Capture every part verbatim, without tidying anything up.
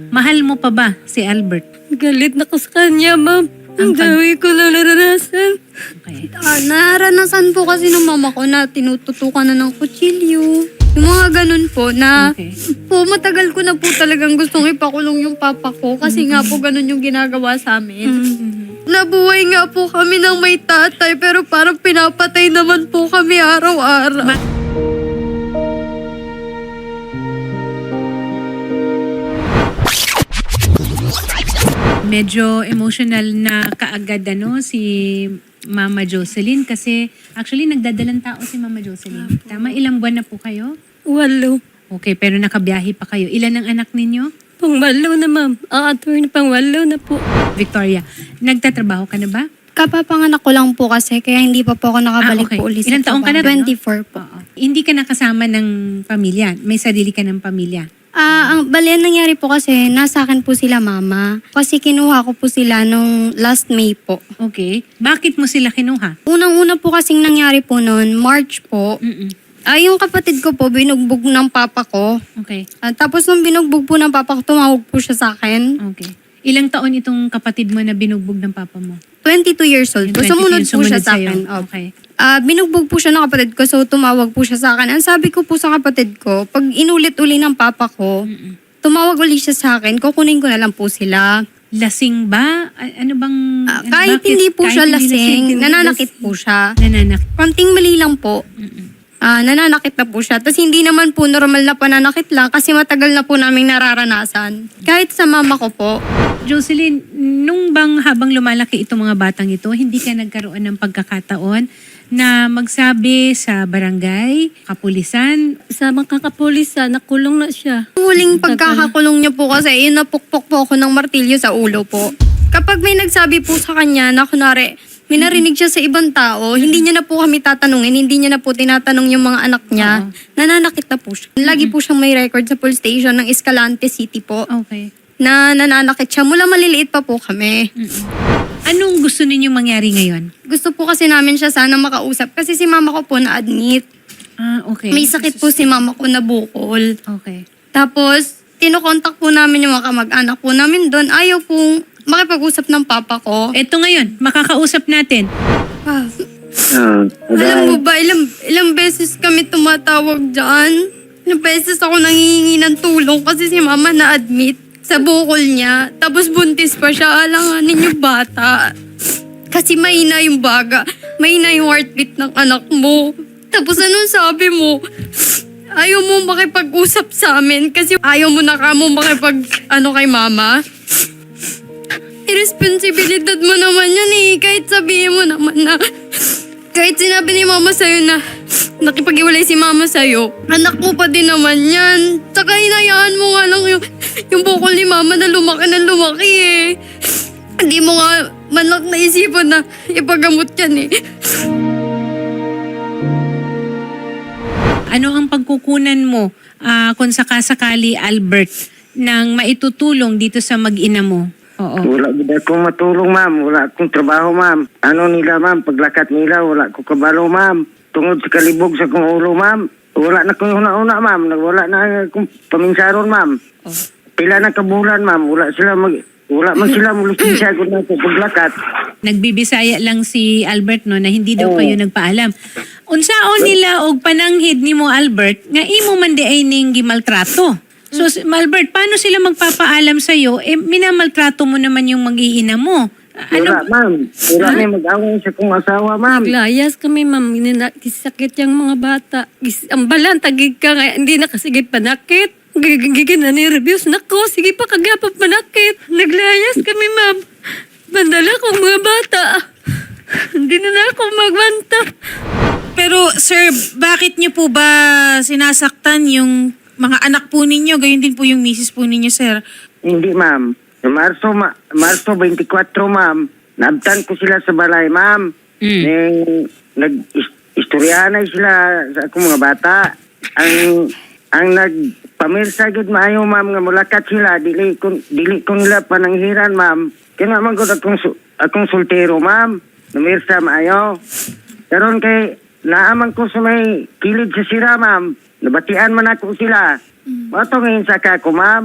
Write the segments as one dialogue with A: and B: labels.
A: Mahal mo pa ba si Albert?
B: Galit na ko sa kanya, ma'am.
A: Ang
B: Ang
A: pag-
B: dami ko na naranasan.
A: Okay.
C: Ah, naranasan po kasi ng mama ko na tinututukan na ng kutsilyo. Yung mga ganun po na
A: Okay.
C: po matagal ko na po talagang gustong ipakulong yung papa ko kasi nga po ganun yung ginagawa sa amin. Nabuhay nga po kami ng may tatay pero parang pinapatay naman po kami araw-araw.
A: Medyo emotional na kaagad ano si Mama Jocelyn kasi actually nagdadalang tao si Mama Jocelyn. Tama, ilang buwan na po kayo?
B: Walo.
A: Okay, pero nakabiyahe pa kayo. Ilan ang anak ninyo?
B: Pangwalo na, ma'am. Ang attorney pangwalo na po.
A: Victoria, nagtatrabaho ka na ba?
C: Kapapanganak ko lang po kasi kaya hindi pa po ako nakabalik
A: Ah, okay.
C: po ulit sa
A: Ilang taong ka na?
C: trabaho. twenty-four po.
A: Oo. Hindi ka nakasama ng pamilya. May sarili ka ng pamilya.
C: Ah, ang bali ang nangyari po kasi nasa akin po sila mama. Kasi kinuha ko po sila nung last May po.
A: Okay. Bakit mo sila kinuha?
C: Unang-una po kasing nangyari po noon, March po.
A: Mm-mm.
C: Ah, yung kapatid ko po, binugbog ng papa ko.
A: Okay.
C: Ah, tapos nung binugbog po ng papa ko, tumawag po siya sa akin.
A: Okay. Ilang taon itong kapatid mo na binugbog ng papa mo?
C: twenty-two years old po.
A: Yung
C: Sumunod
A: twenty-two,
C: po siya
A: sumunod
C: sa
A: sa'yo.
C: akin. Opo.
A: Okay.
C: Ah, binugbog po siya ng kapatid ko, so tumawag po siya sa akin. Ang sabi ko po sa kapatid ko, pag inulit-uli ng papa ko,
A: Mm-mm.
C: tumawag uli siya sa akin, kukunin ko na lang po sila.
A: Lasing ba? A- Ano bang...
C: Ah,
A: ano,
C: kahit
A: bakit?
C: hindi po
A: Kahit
C: siya
A: hindi
C: lasing,
A: hindi
C: nananakit
A: lasing.
C: po siya.
A: Nananak.
C: Konting mali lang po.
A: Mm-mm.
C: Ah, nananakit na po siya. Tapos hindi naman po normal na pananakit lang kasi matagal na po naming nararanasan. Kahit sa mama ko po.
A: Jocelyn, nung bang habang lumalaki itong mga batang ito, hindi ka nagkaroon ng pagkakataon na magsabi sa barangay, kapulisan?
B: Sa mga kapulisan, nakulong na siya.
C: Huling pagkakakulong niya po kasi yun napukpok po ako ng martilyo sa ulo po. Kapag may nagsabi po sa kanya na kunwari, may narinig siya sa ibang tao, hindi niya na po kami tatanungin, hindi niya na po tinatanong yung mga anak niya,
A: Oo.
C: nananakit na po siya. Lagi po siyang may record sa police station ng Escalante City po,
A: Okay.
C: na nananakit siya. Mula maliliit pa po kami.
A: Mm-mm. Anong gusto ninyong mangyari ngayon?
C: Gusto po kasi namin siya sana makausap kasi si mama ko po na-admit.
A: Ah, okay.
C: May sakit po si mama ko na bukol.
A: Okay.
C: Tapos, tinokontak po namin yung mga kamag-anak po namin doon. Ayaw pong makipag-usap ng papa ko.
A: Eto ngayon, makakausap natin.
C: Ah,
D: Ah,
C: alam mo ba, ilang, ilang beses kami tumatawag dyan. Ilang beses ako nangihingi ng tulong kasi si mama na-admit sa bukol niya. Tapos buntis pa siya. Alanganin yung bata. Kasi mahina yung baga. Mahina yung heartbeat ng anak mo. Tapos anong sabi mo? Ayaw mo makipag-usap sa amin kasi ayaw mo na ka mo makipag ano kay mama. Irresponsibilidad mo naman yan eh. Kahit sabihin mo naman na kahit sinabi ni mama sa'yo na nakipag-iwalay si mama sa'yo, anak mo pa din naman yan. Tsaka hinayaan mo nga lang yung, yung bukol ni mama na lumaki na lumaki eh. Hindi mo nga manak naisipan na ipagamot yan eh.
A: Ano ang pagkukunan mo ah, kung sakasakali, Albert, ng maitutulong dito sa mag-ina mo? Oo.
D: wala gid akong matulong, ma'am. Wala akong trabaho, ma'am. Ano nila, ma'am? Paglakat nila, wala ko kabalo, ma'am. Tungod sa kalibog sa kong ulo, ma'am. Wala na kong una-una, ma'am. Wala na akong paminsaron, ma'am.
A: Oh.
D: Pila na kabulan, ma'am. Wala sila mag... Wala man sila mulisensya ko na sa paglakat.
A: Nagbibisaya lang si Albert no na hindi daw
D: Oo.
A: kayo nagpaalam. Unsaon nila og pananghid nimo Albert nga imo man di ay ning gimaltrato. So si- Albert, paano sila magpapaalam sa iyo? Eh minamaltrato mo naman yung mag-iina mo. Ah,
D: Wala,
A: Ano?
D: ma'am. Wala na mag-away sa kong asawa, ma'am.
B: Layas kami, ma'am. Ginina- Sakit yung mga bata. Gis- Ang balan, tagig ka nga. Hindi na kasi panakit. Gigigigin na ni-reviews. Nako, sige pa kagapap panakit. Naglayas kami, ma'am. Bandala kong mga bata. Hindi na na ako magbanta.
E: Pero sir, bakit niyo po ba sinasaktan yung mga anak po ninyo? Gayon din po yung misis po ninyo, sir.
D: Hindi, ma'am. Sa Marso, ma Marso twenty-four, ma'am. Naabtan ko sila sa balay, ma'am.
A: Mm.
D: Neng nag-istoryahanay sila sa akong mga bata. Ang ang nagpamirsa gid maayo, ma'am, nga mulakat sila. Dili ko, dili ko nila pananghiran, ma'am. Kaya naman ko akong, su- akong soltero, ma'am. Namirsa maayo. Karon kay naaman ko sa may kilid sa sira, ma'am. Nabatian man ako sila. Mato ngayon sa kako, ma'am.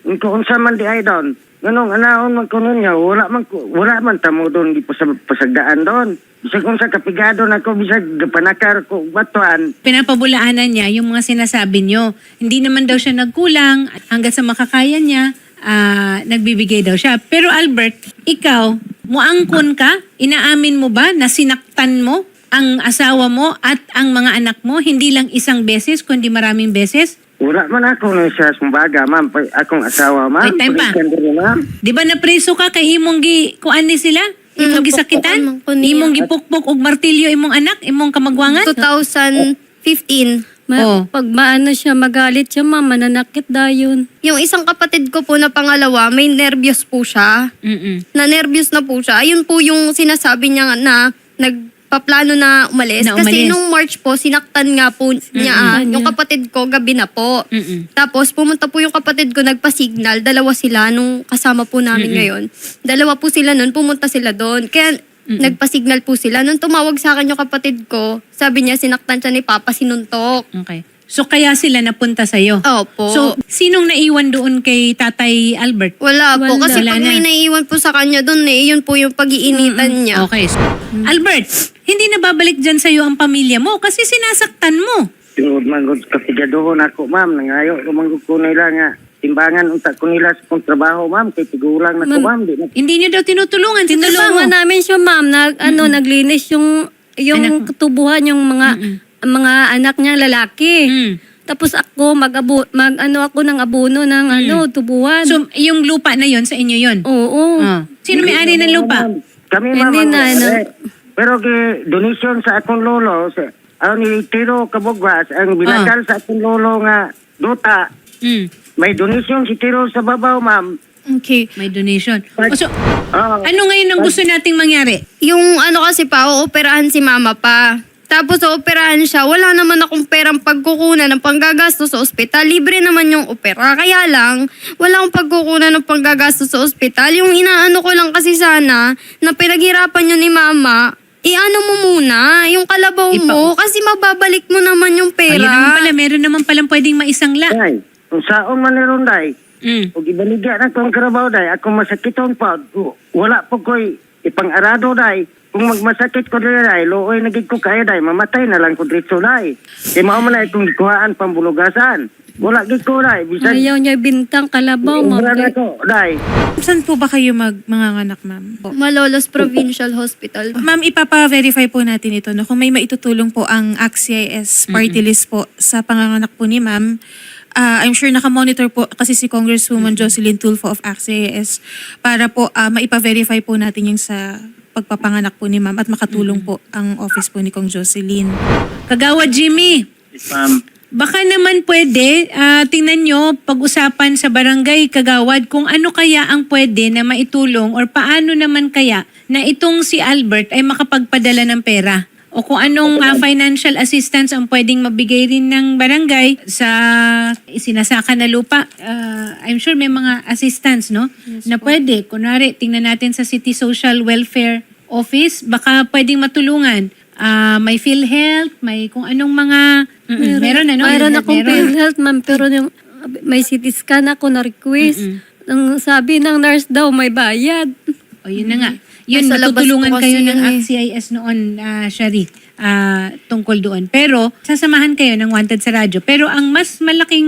D: Kung unsa man di ay doon. Ganong anaon man kuno niya, wala man ko- wala man tamo doon di pa sa pasagdaan doon. Bisag kung sa kapigado na ko, bisag panakar ko batuan.
A: Pinapabulaanan niya yung mga sinasabi niyo. Hindi naman daw siya nagkulang. Hanggat sa makakaya niya, ah, nagbibigay daw siya. Pero Albert, ikaw, muangkon ka? Inaamin mo ba na sinaktan mo ang asawa mo at ang mga anak mo? Hindi lang isang beses, kundi maraming beses?
D: Wala man ako na siya sumbaga, ma'am. Pa- Akong asawa, ma'am.
A: Wait, time pa.
D: Pulisan din, ma'am.
A: Di ba napreso ka kay imong gi kuan ni sila? Imong
C: Mm,
A: gisakitan?
C: napukpukan man ko niya.
A: Imong gipukpok og martilyo imong anak, imong kamagwangan?
C: twenty fifteen.
B: Ma-
A: Oh.
B: Pag maano siya, magalit siya, ma, mananakit dayon.
C: Yung isang kapatid ko po na pangalawa, may nervyos po siya.
A: Mm-mm.
C: Na nervyos na po siya. Ayun po yung sinasabi niya na nagpaplano na umalis.
A: Na
C: Kasi
A: umalis.
C: nung March po, sinaktan nga po niya ah,
B: Mm-mm.
C: yung kapatid ko gabi na po.
A: Mm-mm.
C: Tapos pumunta po yung kapatid ko, nagpa-signal. Dalawa sila nung kasama po namin ngayon. Dalawa po sila nun, pumunta sila doon. Kaya nagpa-signal po sila. Nung tumawag sa akin yung kapatid ko, sabi niya sinaktan siya ni Papa, sinuntok.
A: Okay. So kaya sila napunta sa'yo?
C: Opo.
A: So, sinong naiwan doon kay Tatay Albert?
C: Wala po.
B: Wala.
C: Kasi
A: Wala
C: pag
A: na.
C: may naiiwan po sa kanya doon eh, yun po yung pag-iinitan niya.
A: Okay. So, Albert, hindi na babalik dyan sa'yo ang pamilya mo kasi sinasaktan mo.
D: Tungod man gud kapigadohon ako, ma'am. Nangayo ko man gud ko nila nga timbangan unta ko nila sa kong trabaho, ma'am. Kay tigulang na ko, ma'am. Di na
A: Hindi niyo daw tinutulungan.
B: Tinulungan
A: Tinulungan
B: namin siya, ma'am. Nag, ano, naglinis yung, yung
A: Anak.
B: tubuhan, yung mga, mga anak niya lalaki.
A: Mm.
B: Tapos ako, mag-abo, mag, ano ako ng abono ng, ano, tubuhan.
A: So, yung lupa na yon sa inyo yon.
B: Oo.
A: Oh. Sino may-ari ng lupa?
D: Ma'am, Kami, ma'am.
B: Hindi
D: ang
B: na, ano.
D: may-ari. Pero kay donation sa akong lolo, sa, ang ni Tiro Kabugwas, ang binakal sa akong lolo nga duta,
A: Mm.
D: may donation si Tiro sa babaw, ma'am.
E: Okay.
A: May donation. O, so,
D: Oh,
A: ano ngayon ang gusto nating mangyari?
C: Yung ano kasi pa, ooperahan si mama pa. Tapos ooperahan siya, wala naman akong perang pagkukunan ng panggagasto sa ospital. Libre naman yung opera. Kaya lang, wala akong pagkukunan ng panggagasto sa ospital. Yung inaano ko lang kasi sana, na pinaghirapan yun ni mama, iano mo muna, yung kalabaw
A: Ipa-
C: mo, kasi mababalik mo naman yung
A: Ayun
C: pera.
A: naman pala, meron naman palang pwedeng maisangla.
D: Day, kung saon man ni Ronday,
A: Mm.
D: o ibaligya na kong karabaw, day, ako masakiton pa, wala po ko'y ipang-arado, day. Kung magmasakit ko dili, day, looy nagig ko kaya, day, mamatay na lang ko dito, day. Di mao man na itong ikuhaan pambulugasan. Wala gid ko, day. Bisag,
B: Ayaw niya bintang kalabaw, ma'am.
D: ubra na ko, day.
E: Saan po ba kayo mag manganganak, ma'am?
C: Malolos Provincial Hospital.
E: Ma'am, ipapa-verify po natin ito. No? Kung may maitutulong po ang A C C I S party list po sa panganganak po ni ma'am, ah, I'm sure nakamonitor po kasi si Congresswoman Jocelyn Tulfo of A C C I S para po ah, maipa-verify po natin yung sa pagpapanganak po ni ma'am at makatulong po ang office po ni Kong Jocelyn.
A: Kagawa Jimmy,
D: Ma'am,
A: baka naman pwede, ah, tingnan nyo, pag-usapan sa barangay Kagawad kung ano kaya ang pwede na maitulong or paano naman kaya na itong si Albert ay makapagpadala ng pera. O kung anong ah, financial assistance ang pwedeng mabigay rin ng barangay sa sinasaka na lupa. Ah, I'm sure may mga assistance, no? na pwede. Kunwari, tingnan natin sa City Social Welfare Office, baka pwedeng matulungan. Ah, may PhilHealth, may kung anong mga... Mm, meron, ano?
B: Mayroon akong
A: Meron.
B: PhilHealth, ma'am. Pero yung, may C T scan ako na request. Ang sabi ng nurse daw, may bayad.
A: O yun na nga. Yun,
C: Nasa labas
A: matutulungan
C: po kasi
A: kayo ng
C: yun eh.
A: A C C I S noon, uh, Shari, ah, tungkol doon. Pero, sasamahan kayo ng Wanted sa radyo. Pero ang mas malaking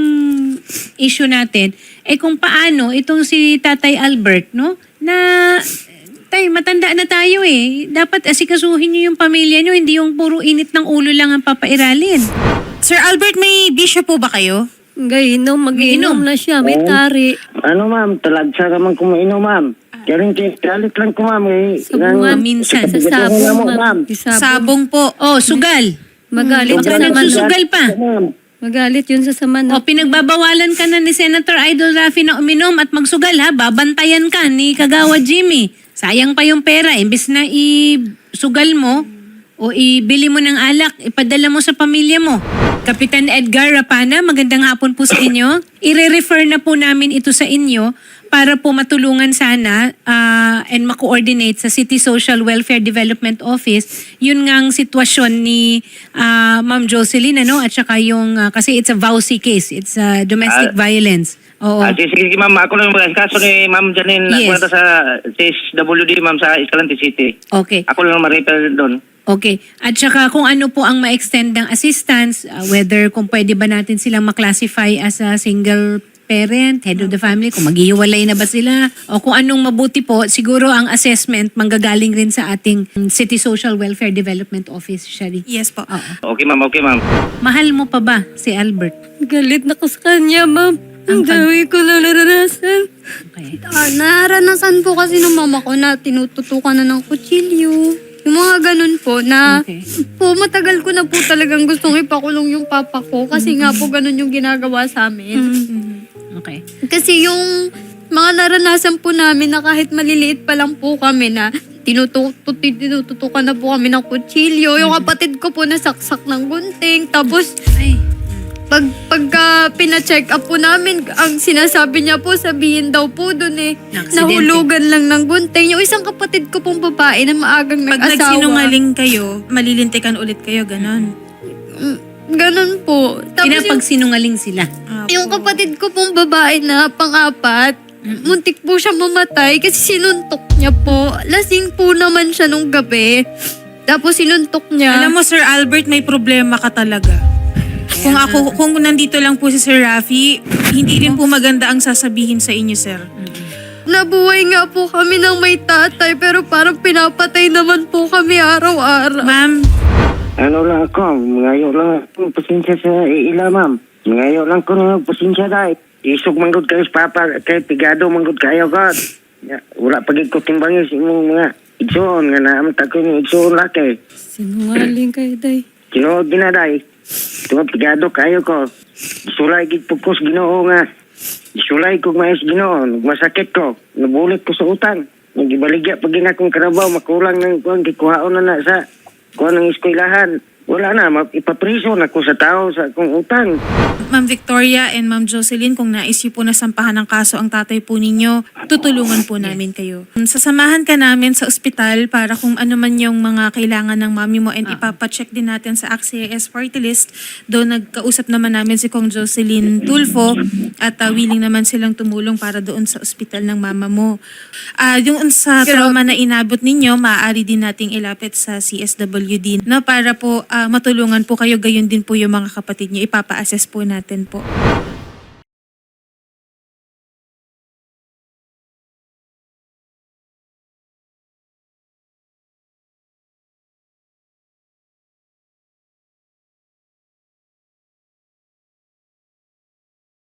A: issue natin, ay kung paano itong si Tatay Albert, no? Na, tay, matanda na tayo eh. Dapat asikasuhin nyo yung pamilya nyo, hindi yung puro init ng ulo lang ang papairalin.
E: Sir Albert, may bisyo po ba kayo?
B: Gainom,
A: Mag-iinom.
B: mag-inom na siya. May tari.
D: ano, ma'am, talagsa ka man kumainom, ma'am. Kaya rin, galit lang ko, ma'am. Eh,
B: Sabungan
D: Nang-
A: minsan.
B: Sa
D: kapigadohon
B: sabong,
D: na mo,
B: ma'am. Sa sabong.
E: Sabong po.
A: Oh, sugal.
B: Magalit
A: Huwag
B: siya
A: ka
B: sa manok.
A: nagsusugal pa.
D: Ma'am,
B: Magalit yun sa
A: O,
B: samanok.
A: pinagbabawalan ka na ni Senator Idol Rafi na uminom at magsugal ha. Babantayan ka ni Kagawa Jimmy. Sayang pa yung pera. Imbes na i-sugal mo o ibili mo ng alak, ipadala mo sa pamilya mo. Kapitan Edgar Rapana, magandang hapon po sa inyo. I-refer na po namin ito sa inyo para po matulungan sana ah, and ma-coordinate sa City Social Welfare Development Office yun ngang sitwasyon ni ah, Ma'am Jocelyn, ano? At saka yung, ah, kasi it's a V A U C case, it's a domestic violence. Oo.
F: Ah, sige, sige, ma'am. Ako lang mag kaso ni Ma'am Janine.
A: Yes.
F: Ako na sa C S W D, ma'am, sa Escalante City.
A: Okay.
F: Ako lang ma-refer doon.
A: Okay. At saka kung ano po ang ma-extend ng assistance, uh, whether kung pwede ba natin silang maklasify as a single parent, head of the family, kung maghihiwalay na ba sila, o kung anong mabuti po, siguro ang assessment manggagaling rin sa ating City Social Welfare Development Office, Shari.
E: Yes po.
A: Oo.
F: Okay, ma'am. Okay, ma'am.
A: Mahal mo pa ba si Albert?
B: Galit na ko sa kanya, ma'am. Ang
A: Ang pag-
B: dami ko na naranasan.
A: Okay.
C: Ah, naranasan po kasi ng mama ko na tinututukan na ng kutsilyo. Yung mga ganun po na
A: Okay.
C: po matagal ko na po talagang gustong ipakulong yung papa ko kasi nga po ganun yung ginagawa sa amin.
A: Okay.
C: Kasi yung mga naranasan po namin na kahit maliliit pa lang po kami na tinututu- tinututukan na po kami ng kutsilyo. Yung kapatid ko po nasaksak ng gunting. Tapos
A: Ay.
C: pag pagka pina-check up po namin, ang sinasabi niya po, sabihin daw po doon eh,
A: Aksidente.
C: nahulugan lang ng gunting. Yung isang kapatid ko pong babae na maagang
E: Pag
C: nag-asawa.
E: nagsinungaling kayo, malilintikan ulit kayo, ganon.
C: Mm, ganun po. Tapos yung,
A: Pinapagsinungaling sila.
E: Ah,
C: yung kapatid ko pong babae na pang-apat, muntik po siya mamatay kasi sinuntok niya po. Lasing po naman siya nung gabi. Tapos sinuntok niya.
E: Alam mo, Sir Albert, may problema ka talaga. Kung ako, kung nandito lang po si Sir Rafi, hindi rin po maganda ang sasabihin sa inyo, sir.
C: Nabuhay nga po kami ng may tatay pero parang pinapatay naman po kami araw-araw.
E: Ma'am,
D: Ano lang ako, ngayon lang ako pasensya sa ila, ma'am. Ngayon lang ko na pasensya dahil. Isog manggod kayo sa papa, kay pigado manggod kayo, God. Ya, wala pagig ko timbangin sa imong mga igsoon, nga naamit ako yung igsoon laki.
B: Sinungaling kayo, day.
D: Kinood ginaday. Tunga pigado kayo ko. Sulay gid pugkos Ginoo nga. Sulay ko maayos Ginoo, masakit ko. Nabulit ko sa utang. Nagibaligya pag ina kong karabaw, makulang ng kuang gikuhaon na na sa kuan ng eskwelahan. Wala na, ma- ipapriso na ko sa tao sa akong utang.
E: Ma'am Victoria and Ma'am Jocelyn, kung nais niyo po na sampahan ng kaso ang tatay po ninyo, tutulungan po namin kayo. Sasamahan ka namin sa ospital para kung ano man yung mga kailangan ng mami mo and ipapacheck din natin sa A C C I S party list. Doon nagkausap naman namin si Kong Jocelyn Tulfo at uh, willing naman silang tumulong para doon sa ospital ng mama mo. Ah, yung sa trauma na inabot ninyo, maaari din nating ilapit sa C S W D no, para po ah, matulungan po kayo, gayon din po yung mga kapatid niyo. Ipapa-assess po natin po.